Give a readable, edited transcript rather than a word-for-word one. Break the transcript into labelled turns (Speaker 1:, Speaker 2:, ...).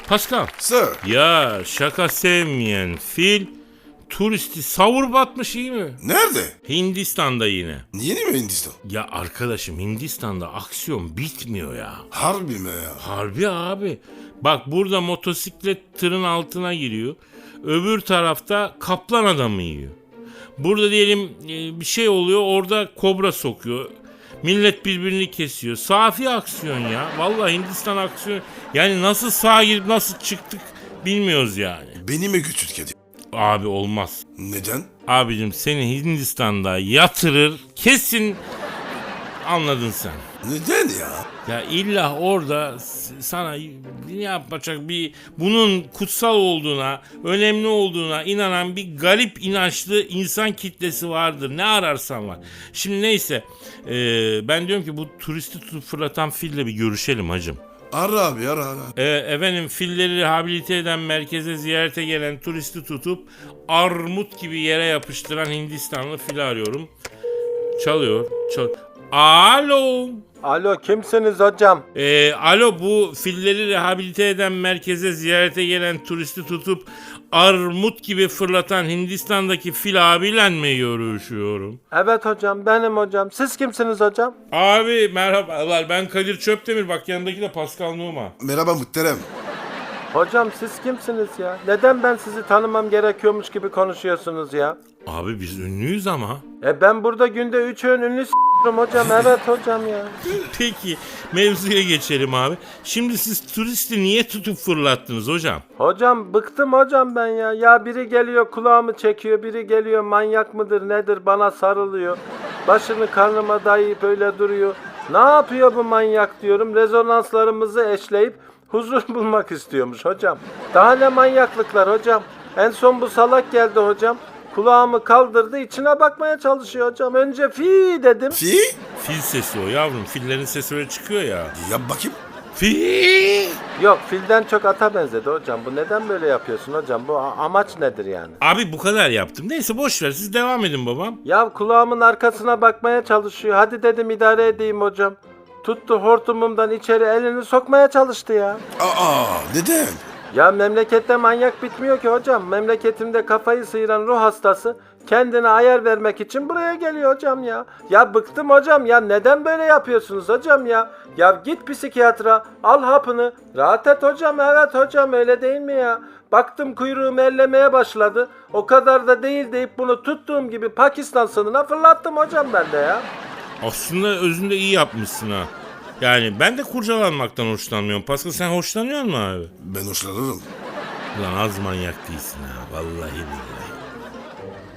Speaker 1: Pascal.
Speaker 2: Sir.
Speaker 1: Ya şaka sevmeyen fil turisti savur batmış, iyi mi?
Speaker 2: Nerede?
Speaker 1: Hindistan'da yine.
Speaker 2: Yeni mi Hindistan?
Speaker 1: Ya arkadaşım, Hindistan'da aksiyon bitmiyor ya.
Speaker 2: Harbi mi ya?
Speaker 1: Harbi abi. Bak burada motosiklet tırın altına giriyor. Öbür tarafta kaplan adamı yiyor. Burada diyelim bir şey oluyor, orada kobra sokuyor. Millet birbirini kesiyor. Safi aksiyon ya. Vallahi Hindistan aksiyon. Yani nasıl sağa girip nasıl çıktık bilmiyoruz yani.
Speaker 2: Beni mi götür kedi?
Speaker 1: Abi olmaz.
Speaker 2: Neden?
Speaker 1: Abicim seni Hindistan'da yatırır kesin, anladın sen.
Speaker 2: Neden ya?
Speaker 1: Ya illa orada sana yapacak bunun kutsal olduğuna, önemli olduğuna inanan bir garip inançlı insan kitlesi vardır. Ne ararsan var. Şimdi neyse, ben diyorum ki bu turisti tutup fırlatan fille bir görüşelim hacım.
Speaker 2: Ara abi ara.
Speaker 1: Efendim, filleri rehabilite eden merkeze ziyarete gelen turisti tutup armut gibi yere yapıştıran Hindistanlı fili arıyorum. Çalıyor. Alo.
Speaker 3: Alo, kimsiniz hocam?
Speaker 1: Alo, bu filleri rehabilite eden merkeze ziyarete gelen turisti tutup armut gibi fırlatan Hindistan'daki fil abiyle mi görüşüyorum?
Speaker 3: Evet hocam, benim hocam. Siz kimsiniz hocam?
Speaker 1: Abi merhabalar, ben Kadir Çöptemir, bak yanındaki de Pascal Numa.
Speaker 2: Merhaba muhterem.
Speaker 3: Hocam siz kimsiniz ya? Neden ben sizi tanımam gerekiyormuş gibi konuşuyorsunuz ya?
Speaker 1: Abi biz ünlüyüz ama.
Speaker 3: Ben burada günde 3 öğün ünlü s**rim hocam. Evet hocam ya.
Speaker 1: Peki mevzuya geçelim abi. Şimdi siz turisti niye tutup fırlattınız hocam?
Speaker 3: Hocam bıktım hocam ben ya. Ya biri geliyor kulağımı çekiyor, biri geliyor manyak mıdır nedir bana sarılıyor. Başını karnıma dayayıp öyle duruyor. Ne yapıyor bu manyak diyorum. Rezonanslarımızı eşleyip huzur bulmak istiyormuş hocam. Daha ne manyaklıklar hocam. En son bu salak geldi hocam. Kulağımı kaldırdı, içine bakmaya çalışıyor hocam. Önce fi dedim.
Speaker 2: Fi?
Speaker 1: Fil sesi o yavrum. Fillerin sesi öyle çıkıyor ya.
Speaker 2: Yap bakayım.
Speaker 1: Fi.
Speaker 3: Yok, filden çok ata benzedi hocam. Bu neden böyle yapıyorsun hocam? Bu amaç nedir yani?
Speaker 1: Abi bu kadar yaptım. Neyse boş ver, siz devam edin babam.
Speaker 3: Ya kulağımın arkasına bakmaya çalışıyor. Hadi dedim idare edeyim hocam. Tuttu hortumumdan içeri elini sokmaya çalıştı ya.
Speaker 2: Neden?
Speaker 3: Ya memlekette manyak bitmiyor ki hocam. Memleketimde kafayı sıyıran ruh hastası kendine ayar vermek için buraya geliyor hocam ya. Ya bıktım hocam ya, neden böyle yapıyorsunuz hocam ya? Ya git psikiyatra, al hapını, rahat et hocam. Evet hocam, öyle değil mi ya? Baktım kuyruğumu ellemeye başladı. O kadar da değil deyip bunu tuttuğum gibi Pakistan sınırına fırlattım hocam ben de ya.
Speaker 1: Aslında özünde iyi yapmışsın ha. Yani ben de kurcalanmaktan hoşlanmıyorum. Pascal, sen hoşlanıyor musun abi?
Speaker 2: Ben hoşlanırım.
Speaker 1: Ulan az manyak değilsin ha. Vallahi billahi.